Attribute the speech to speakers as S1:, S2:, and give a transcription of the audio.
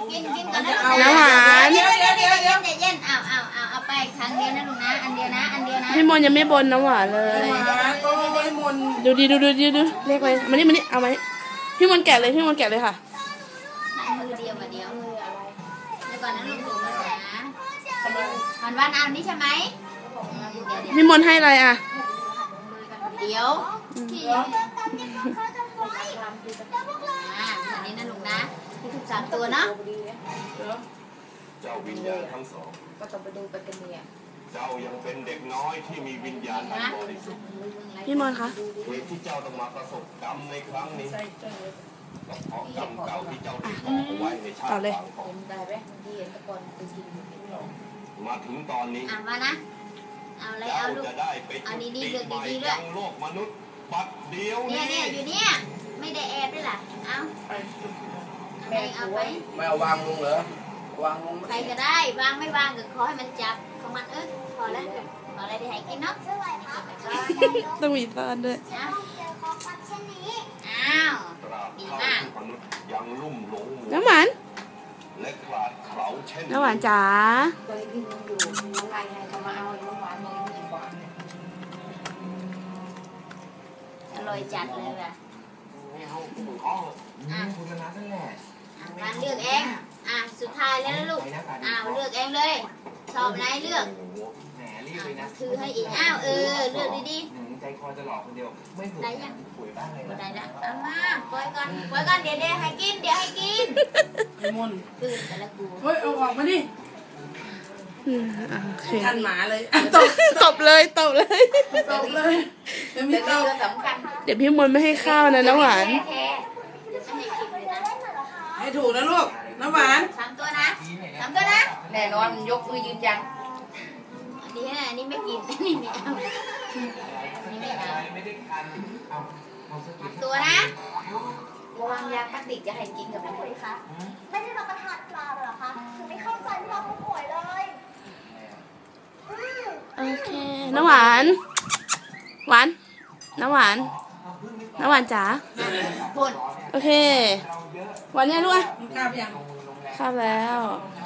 S1: กินก่อนนะ
S2: น้ำหวาน
S1: เดี๋ยวเย็นเอาไปครั้งเดียวนะลูกนะอันเดียวนะ
S2: พี่มนยังไม่บนน้ำหวานเลยดูดีดูเรียกเลยมานี่เอาไหมพี่มนแกะเลยค่ะ
S1: มือเดียวเดี๋ยวก่อนนะลูกดูนะวันเอานี่ใช่ไหม
S2: พี่มนให้อะไรอ่ะ
S1: เดี๋ยวอันนี้นะลุงนะที่ถูก3 ตัวเนาะ
S3: เจ้าวิญญาณทั้งสองก็ต้องไปดูไปกันเนี่ยเจ้ายังเป็นเด็กน้อยที่มีวิญญาณอันบริสุทธิ์
S2: พี่มนคะ
S3: เหตุที่เจ้าต้องมาประสบกรรมในครั้งนี้ก็เพราะกรรมเก่าที่เจ้าได้ก่อเอาไว้ในชาติก่อนมาถึงตอนนี้
S1: มานะเอาเลยเอาลูก
S3: จะได้ไปจุติใหม่ยังโลกมนุษย์บัดเดียว
S1: เนี่ยอยู่เนี่ยไม่ได้แอบด้วยล่ะเอาไป
S4: ไม่เอาวางลงเหรอวางลง
S1: ใครก็ได้วางไม่วางก็ขอให้มันจับของมันพอแล้วขออะไรได้ให้กินเนาะ
S2: ต้องมีตอนด้วย
S1: อ้าวดีมาก
S3: ยังลุ่มหลง
S2: น้ำหวาน
S3: และขาดเขาเช่น
S2: น้ำหวานจ๋า
S1: อร่อยจัดเลยว่ะ
S4: คุณชนะนั่นแหละ
S1: การเลือกเองสุดท้ายแล้วนะลูกเลือกเองเลยชอบไหนเลือก
S4: แหมรีบเลยนะ
S1: คือให้อีกเลือกดี
S4: ๆใจคอจะหลอกคนเดียวไม่ถูกป่วยบ้างเลย
S1: ได้ละเอามาปล่อยก่อนเดี๋ยวให้กิน
S2: มน
S1: ปืนแต่ละกู
S2: เฮ้ยเอาออกมาดิทันหมาเลยตบเลย
S1: เป็นตัวสำคัญ
S2: เดี๋ยวพี่มนไม่ให้ข้าวนะน้ำหวาน
S5: ให้ถูกนะลูกน้ำหวาน
S1: 3 ตัวนะ
S5: แน่นอนยกมือยืนยัน
S1: อันนี้ไม่กินอันนี้ไม่เอาตัวนะ
S5: ระวังยาพลาสติกจะให้กินกับมันไหมคะ
S6: ไม่ได้รับประทานปลาเหรอคะคือไม่เข้าใจเราผู้ป่วยเลย
S2: โอเคน้ำหวานน้ำหวานจ๋าโอเควันนี้ลูก
S5: ข้าวยัง
S2: ข้าวแล้ว